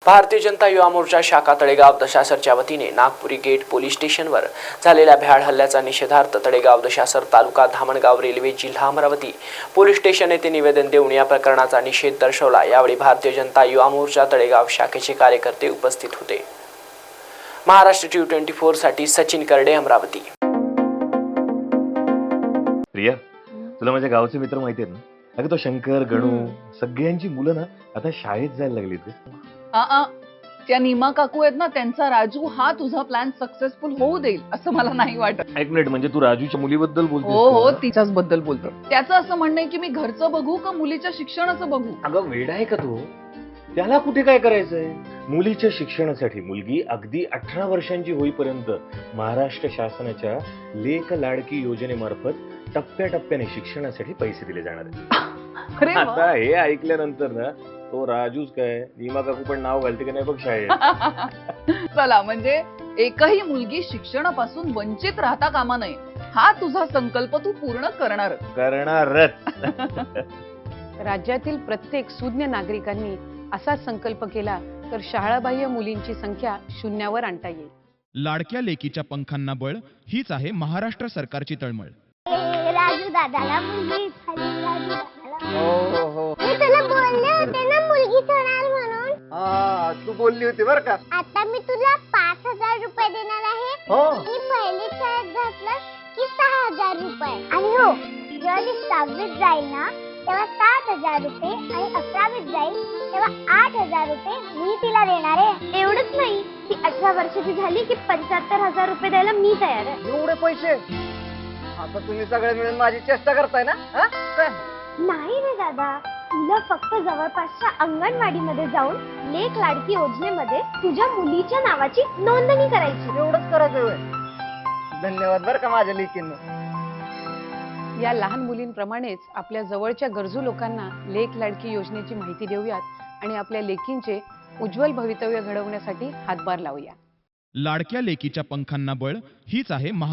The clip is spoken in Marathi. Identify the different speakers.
Speaker 1: भारतीय जनता युवा मोर्चा शाखा तळेगाव दशासरच्या वतीने नागपुरी गेट पोलीस स्टेशनवर झालेल्या भ्याड हल्ल्याचा निषेधार्थ तळेगाव दशासर तालुका धामणगाव रेल्वे जिल्हा अमरावती पोलीस स्टेशन येथे निवेदन देऊन या प्रकरणाचा निषेध दर्शवला। यावेळी भारतीय जनता युवा मोर्चा तळेगाव शाखेचे कार्यकर्ते उपस्थित होते। महाराष्ट्र T24 साठी सचिन करडे, अमरावती।
Speaker 2: प्रिया, तुला माझ्या गावचे मित्र माहिती आहेत ना? अगं तो शंकर, गणू सगळ्यांची मुलं ना आता शाळेत जायला लागलीत।
Speaker 3: त्या नीमा काकू आहेत ना, त्यांचा राजू हा तुझा प्लॅन सक्सेसफुल होऊ देईल असं मला नाही वाटत।
Speaker 2: एक मिनिट, म्हणजे तू राजूच्या मुलीबद्दल बोलतोस?
Speaker 3: हो, तिच्याच बद्दल बोलतो। त्याचं असं म्हणणं आहे की मी घरचं बघू का मुलीच्या शिक्षणाचं बघू?
Speaker 2: अगं वेडा आहे का तू? त्याला कुठे काय करायचंय? मुलीच्या शिक्षणासाठी मुलगी अगदी 18 वर्षांची होईपर्यंत महाराष्ट्र शासनाच्या लेक लाडकी योजनेमार्फत टप्प्याटप्प्याने शिक्षणासाठी पैसे दिले जाणार आहेत।
Speaker 3: अरे वा.
Speaker 2: आता हे ऐकल्यानंतर ना तो राजूच काय नीमा काकू पण नाव घालते की नाही बघ शाळेत।
Speaker 3: चला, म्हणजे एकही मुलगी शिक्षणापासून वंचित राहता कामा नये हा तुझा संकल्प तू पूर्ण
Speaker 2: करणारच।
Speaker 4: राज्यातील प्रत्येक सुज्ञ नागरिकांनी असा संकल्प केला तर शाळाबाह्य मुलींची संख्या शून्यावर आणता येईल।
Speaker 5: लाडक्या लेकीच्या पंखांना बळ हीच आहे महाराष्ट्र सरकारची तळमळ।
Speaker 6: राजू दादाला मुलगी झाली, राजू दादाला।
Speaker 7: हो
Speaker 6: मी तुला बोलले होते ना मुलगीच होणार म्हणून।
Speaker 7: हा, तू बोलली होती बर का?
Speaker 6: आता मी तुला 5,000 रुपये देणार आहे।
Speaker 7: हो.
Speaker 6: मी पहिली शाळेत घातलं की 6,000 रुपये। आणि हो, जेव्हा ती 6वीत जाईल ना तेव्हा 7,000 रुपये आणि 11वीत जाईल तेव्हा 8,000 रुपये मी तिला देणार आहे। एवढंच नाही, ती 18 वर्षाची झाली की 75,000 रुपये द्यायला मी तयार आहे।
Speaker 7: एवढे पैसे? आता तुम्ही सगळे मिळून माझी चेष्टा करताय ना? हा? काय?
Speaker 6: नाही रे दादा, तुला फक्त जवळपासच्या अंगणवाडीमध्ये जाऊन लेक लाडकी योजनेमध्ये तुझ्या मुलीच्या नावाची नोंदणी करायची।
Speaker 7: एवढंच करायचं होय? धन्यवाद बर का माझ्या लेकींना।
Speaker 4: या लहान मुलींप्रमाणेच आपल्या जवळच्या गरजू लोकांना लेक लाडकी योजनेची माहिती देऊयात आणि आपल्या लेकींचे उज्ज्वल भवितव्य घडवण्यासाठी हातभार लावूया।
Speaker 5: लाडक्या लेकीच्या पंखांना बळ हीच आहे